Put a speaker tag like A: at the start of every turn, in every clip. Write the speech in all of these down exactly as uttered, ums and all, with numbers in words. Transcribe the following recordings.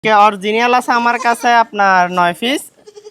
A: Original আছে আমার কাছে আপনার নয় পিস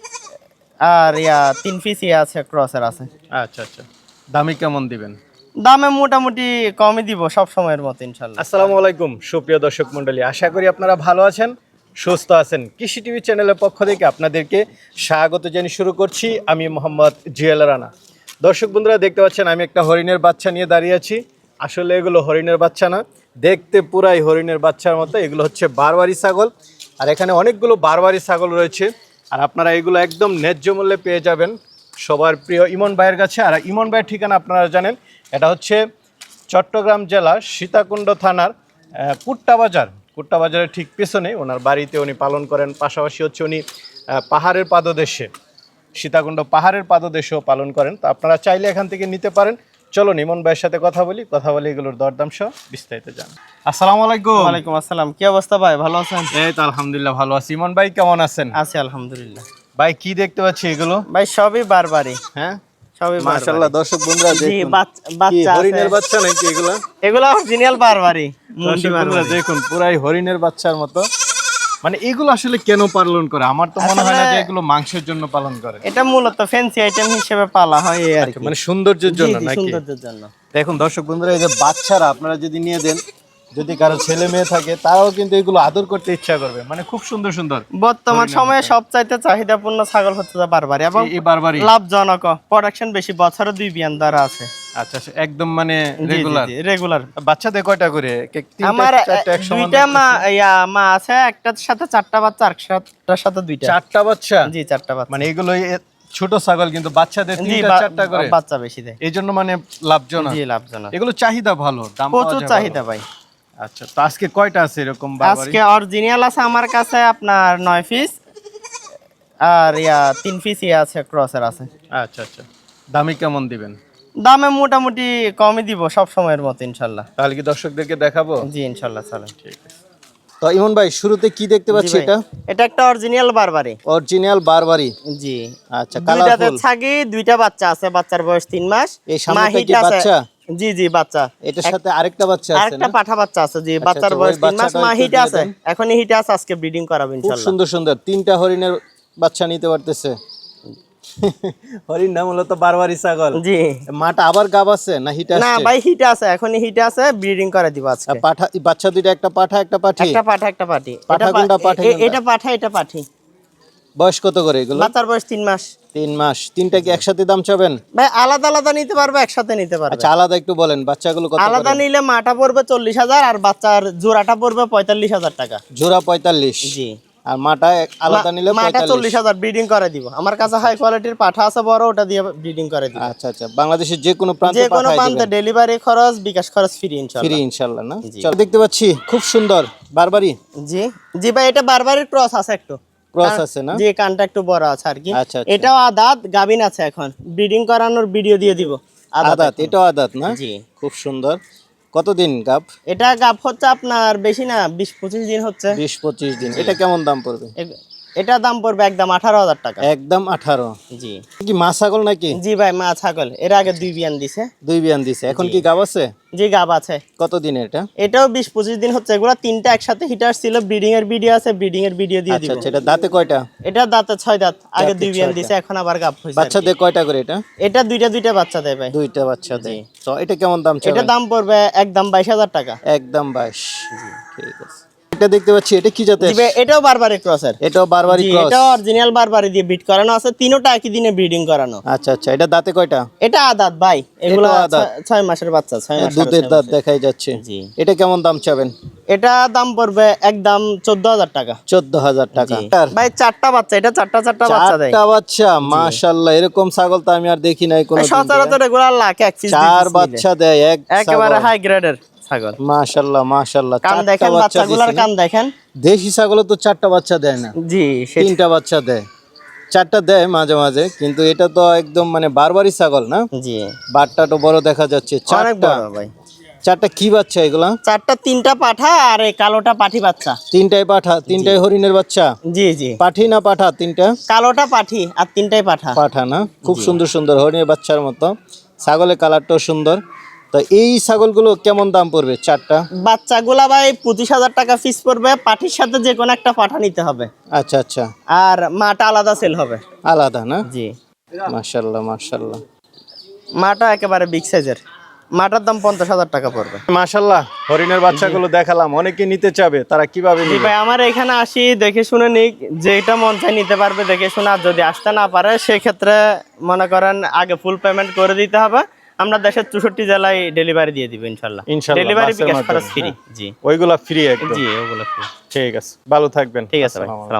A: আর ইয়া তিন পিস ইয়া আছে ক্রসের আছে।
B: আচ্ছা আচ্ছা, দামি কেমন দিবেন?
A: দামে মোটামুটি কমই দিব সব সময়ের মতো ইনশাল্লাহ।
B: আসসালামু আলাইকুম সুপ্রিয় দর্শক মণ্ডলী, আশা করি আপনারা ভালো আছেন, সুস্থ আছেন। কৃষি টিভি চ্যানেলের পক্ষ থেকে আপনাদেরকে স্বাগত জানিয়ে শুরু করছি আমি মোহাম্মদ জুয়েল রানা। দর্শক বন্ধুরা দেখতে পাচ্ছেন আমি একটা হরিণের বাচ্চা নিয়ে দাঁড়িয়ে আছি। আসলে এগুলো হরিণের বাচ্চা না, দেখতে পুরাই হরিণের বাচ্চার মতো। এগুলো হচ্ছে বারবারি ছাগল, আর এখানে অনেকগুলো বারবারি ছাগল রয়েছে। আর আপনারা এগুলো একদম ন্যায্য মূল্যে পেয়ে যাবেন সবার প্রিয় ইমন ভাইয়ের কাছে। আর ইমন ভাইয়ের ঠিকানা আপনারা জানেন, এটা হচ্ছে চট্টগ্রাম জেলার সীতাকুণ্ড থানার কুট্টা বাজার। কুট্টা বাজারের ঠিক পেছনে ওনার বাড়িতে উনি পালন করেন। পাশাপাশি হচ্ছে উনি পাহাড়ের পাদদেশে, সীতাকুণ্ড পাহাড়ের পাদদেশেও পালন করেন। তো আপনারা চাইলে এখান থেকে নিতে পারেন। চলো ইমন ভাইয়ের সাথে কথা বলি, কথা বলি এগুলোর দরদাম সহ বিস্তারিত জান। আসসালামু আলাইকুম।
A: ওয়ালাইকুম আসসালাম, কি অবস্থা ভাই, ভালো আছেন?
B: এই তো আলহামদুলিল্লাহ ভালো আছি। ইমন ভাই কেমন আছেন?
A: আছি আলহামদুলিল্লাহ।
B: ভাই কি দেখতে পাচ্ছি এগুলো?
A: ভাই সবই বারবারি।
B: হ্যাঁ
A: সবই
B: মাশাআল্লাহ। দর্শক বন্ধুরা
A: জি
B: দেখুন,
A: বাচ্চা
B: হরিণের বাচ্চা নাকি এগুলো?
A: এগুলো অরিজিনাল বারবারি।
B: দর্শক বন্ধুরা দেখুন, পুরাই হরিণের বাচ্চার মতো। মানে এগুলো আসলে কেন পালন করে? আমার তো মনে হয় না যে এগুলো মাংসের জন্য পালন করে।
A: এটা মূলত ফ্যান্সি আইটেম হিসেবে পালা হয় এই আর কি,
B: মানে সৌন্দর্যের জন্য নাকি?
A: সৌন্দর্যের জন্য।
B: দেখুন দর্শক বন্ধুরা, এই যে বাচ্চারা আপনারা যদি নিয়ে দেন, যদি কারো ছেলে মেয়ে থাকে তারাও কিন্তু এগুলো আদর করতে ইচ্ছা করবে। মানে খুব সুন্দর সুন্দর।
A: বর্তমান সময়ে সবচাইতে চাহিদাপূর্ণ ছাগল হচ্ছে বারবারি এবং
B: এই বারবারি
A: লাভজনক, প্রোডাকশন বেশি, বছরে দুই বিয়ান দ্বারা আছে।
B: আচ্ছা আচ্ছা, একদম মানে রেগুলার
A: রেগুলার।
B: বাচ্চাদের কয়টা করে?
A: আমার দুইটা মা ইয়া মা আছে, একটার সাথে চারটা বাচ্চা, আরেকটার সাথে দুইটা।
B: চারটা বাচ্চা?
A: জি চারটা বাচ্চা।
B: মানে এগুলো ছোট ছাগল কিন্তু বাচ্চাদের তিনটা চারটা করে
A: বাচ্চা বেশি দেয়,
B: এই জন্য মানে লাভজনক।
A: জি লাভজনক।
B: এগুলো চাহিদা ভালো, দাম
A: প্রচুর চাহিদা ভাই।
B: আচ্ছা, তো আজকে কয়টা আছে এরকম বারবারি?
A: আজকে অরিজিনাল আছে আমার কাছে আপনার নয় পিস আর ইয়া তিন পিস ইয়া আছে ক্রসের আছে।
B: আচ্ছা আচ্ছা, দামি কেমন দিবেন?
A: দামে মোটামুটি কমই দিব সব সময়ের মতো ইনশাল্লাহ।
B: তাহলে কি দর্শকদেরকে দেখাবো?
A: জি ইনশাল্লাহ চলেন।
B: ঠিক আছে। তো ইমন ভাই শুরুতে কি দেখতে পাচ্ছি? এটা
A: এটা একটা অরিজিনাল বারবারি।
B: অরিজিনাল বারবারি?
A: জি।
B: আচ্ছা,
A: দুইটাতে ছাগি, দুইটা বাচ্চা আছে, বাচ্চার বয়স তিন মাস।
B: এই সামনেটা কি বাচ্চা?
A: জি জি বাচ্চা।
B: এটার সাথে আরেকটা বাচ্চা আছে?
A: আরেকটা পাঠা বাচ্চা আছে, জি। বাচ্চার বয়স তিন মাস, মা হিটে আছে, এখনই হিটে আছে, আজকে ব্রিডিং করাবো ইনশাআল্লাহ।
B: খুব সুন্দর সুন্দর তিনটা হরিণের বাচ্চা নিতে পারতেছে। হরিণ না, মূলত বারবারি ছাগল।
A: জি।
B: মাটা আবার গাব আছে না হিটে আছে?
A: না ভাই হিটে আছে, এখনই হিটে আছে, ব্রিডিং করে দিব আজকে।
B: পাঠা বাচ্চা দুইটা, একটা পাঠা একটা পাঠি?
A: একটা পাঠা একটা পাঠি।
B: পাঠা কোনটা পাঠি?
A: এটা পাঠা এটা পাঠি।
B: বয়স কত করে এগুলো?
A: বাচ্চার বয়স তিন মাস।
B: তিন মাস। তিনটা কি একসাথে দাম চাবেন?
A: ভাই আলাদা আলাদা নিতে পারবে, একসাথে নিতে পারবে।
B: আচ্ছা, আলাদা একটু বলেন বাচ্চাগুলো কত করে?
A: আলাদা নিলে মাটা পড়বে চল্লিশ হাজার আর বাচ্চার জোড়াটা পড়বে পঁয়তাল্লিশ হাজার টাকা।
B: জোড়া পঁয়তাল্লিশ?
A: জি।
B: আর মাটা আলাদা নিলে
A: মাটা চল্লিশ হাজার, ব্রিডিং করে দিব। আমার কাছে হাই কোয়ালিটির পাঠা আছে বড়, ওটা দিয়ে ব্রিডিং করে দিব।
B: আচ্ছা আচ্ছা, বাংলাদেশের যে কোনো প্রান্তে
A: যে কোনো প্রান্তে ডেলিভারি খরচ, বিকাশ খরচ ফ্রি ইনশাআল্লাহ।
B: ফ্রি ইনশাআল্লাহ না? চল, দেখতে পাচ্ছি খুব সুন্দর বারবারি।
A: জি জি ভাই, এটা বারবারির ক্রস আছে, একটু
B: ক্রস আছে না?
A: জি, কানটা একটু বড় আছে আর কি।
B: আচ্ছা,
A: এটাও আদাত, গাবিন আছে, এখন ব্রিডিং করানোর ভিডিও দিয়ে দিব।
B: আদাত? এটাও আদাত না?
A: জি।
B: খুব সুন্দর। কতদিন গাব?
A: এটা গাব হচ্ছে আপনার বেশি না, বিশ পঁচিশ দিন হচ্ছে।
B: বিশ পঁচিশ দিন। এটা কেমন দাম পড়বে?
A: এটা দাম পড়বে একদম আঠারো হাজার টাকা।
B: একদম আঠারো?
A: জি।
B: কি মা ছাগল নাকি?
A: জি ভাই, মা ছাগল। এর আগে দুই বিয়ান দিছে।
B: দুই বিয়ান দিছে। এখন কি গাব আছে?
A: জি গাব আছে।
B: কতদিন এটা?
A: এটাও বিশ পঁচিশ দিন হচ্ছে। এগুলা তিনটা একসাথে হিটার ছিল, ব্রিডিং এর ভিডিও আছে, ব্রিডিং এর ভিডিও দিয়ে দিব।
B: আচ্ছা, এটা দাঁতে কয়টা?
A: এটা দাঁতে ছয় দাঁত, আগে দুই বিয়ান দিছে, এখন আবার গাব হইছে।
B: বাচ্চা দেয় কয়টা করে এটা?
A: এটা দুইটা দুইটা বাচ্চা দেয় ভাই।
B: দুইটা বাচ্চা দেয়। তো এটা কেমন দাম চাই?
A: এটা দাম পড়বে একদম বাইশ হাজার টাকা।
B: একদম বাইশ? জি, ঠিক আছে। এটা দেখতে পাচ্ছি, এটা কি জাতের?
A: এটাও বারবারি ক্রসের।
B: এটাও বারবারি ক্রস?
A: এটাও অরিজিনাল বারবারি দিয়ে বিট করানো আছে, তিনটা একই দিনে ব্রিডিং করানো।
B: আচ্ছা আচ্ছা, এটা দাঁতে কয়টা?
A: এটা আদাত ভাই, এগুলো ছয় মাসের বাচ্চা, ছয় মাস
B: দুধের দাঁত দেখাই যাচ্ছে।
A: জি।
B: এটা কেমন দাম চাবেন?
A: এটা দাম পড়বে একদম চোদ্দ হাজার টাকা।
B: চোদ্দ হাজার টাকা
A: ভাই। চারটা বাচ্চা, এটা চারটা চারটা বাচ্চা দেয়।
B: চারটা বাচ্চা? মাশাআল্লাহ, এরকম ছাগল তো আমি আর দেখি নাই কোনো।
A: সচরাচর এগুলা লাখ এক পিস
B: চার বাচ্চা দেয় এক,
A: একেবারে হাই গ্রেডের ছাগল।
B: মাশাআল্লাহ মাশাআল্লাহ।
A: কান দেখেন বাচ্চাগুলোর, কান দেখেন।
B: দেশি ছাগল তো চারটা বাচ্চা দেয় না?
A: জি,
B: তিনটা বাচ্চা দেয়। চারটা দেয় মাঝে মাঝে, কিন্তু এটা তো একদম মানে বারবারি ছাগল না?
A: জি।
B: বাটটা তো বড় দেখা যাচ্ছে। চারটা
A: ভাই।
B: চারটা কি বাচ্চা এগুলা?
A: চারটা, তিনটা পাঠা আর এই কালোটা পাঠি বাচ্চা।
B: তিনটাই পাঠা? তিনটাই হরিণের বাচ্চা?
A: জি জি।
B: পাঠি না পাঠা? তিনটা
A: কালোটা পাঠি আর তিনটাই পাঠা।
B: পাঠা না? খুব সুন্দর সুন্দর হরিণের বাচ্চার মতো। ছাগলের কালারটাও সুন্দর। তো এই ছাগলগুলো কেমন দাম পড়বে চারটা?
A: বাচ্চাগুলা ভাই পঁচিশ হাজার টাকা ফিস পড়বে, পাঠির সাথে যে কোনো একটা পাঠা নিতে হবে।
B: আচ্ছা আচ্ছা,
A: আর মাটা আলাদা সেল হবে।
B: আলাদা না?
A: জি,
B: মাশাআল্লাহ মাশাআল্লাহ।
A: মাটা একেবারে বিগ সাইজের, মাটার দাম পঞ্চাশ হাজার টাকা পড়বে।
B: মাশাআল্লাহ, হরিণের বাচ্চাগুলো দেখালাম, অনেকে নিতে চাবে, তারা কিভাবে
A: জি
B: নিবে?
A: ভাই, আমার এখানে আসি দেখে শুনে নিক, যেটা মন চাই নিতে পারবে দেখে শুনে। আর যদি আসতে না পারে সেক্ষেত্রে মনে করেন আগে ফুল পেমেন্ট করে দিতে হবে। আমরা দেশের চৌষট্টি জেলায় ডেলিভারি দিয়ে দিব ইনশাল্লাহ।
B: ইনশাআল্লাহ,
A: ডেলিভারি
B: বাসের
A: বিকাশ
B: মাধ্যমে,
A: খরচ ফ্রি।
B: হ্যাঁ?
A: জি
B: ওইগুলা ফ্রি একদম?
A: জি, ওগুলো ফ্রি।
B: ঠিক আছে, ভালো থাকবেন।
A: ঠিক আছে ভাই।
B: আসসালামু আলাইকুম।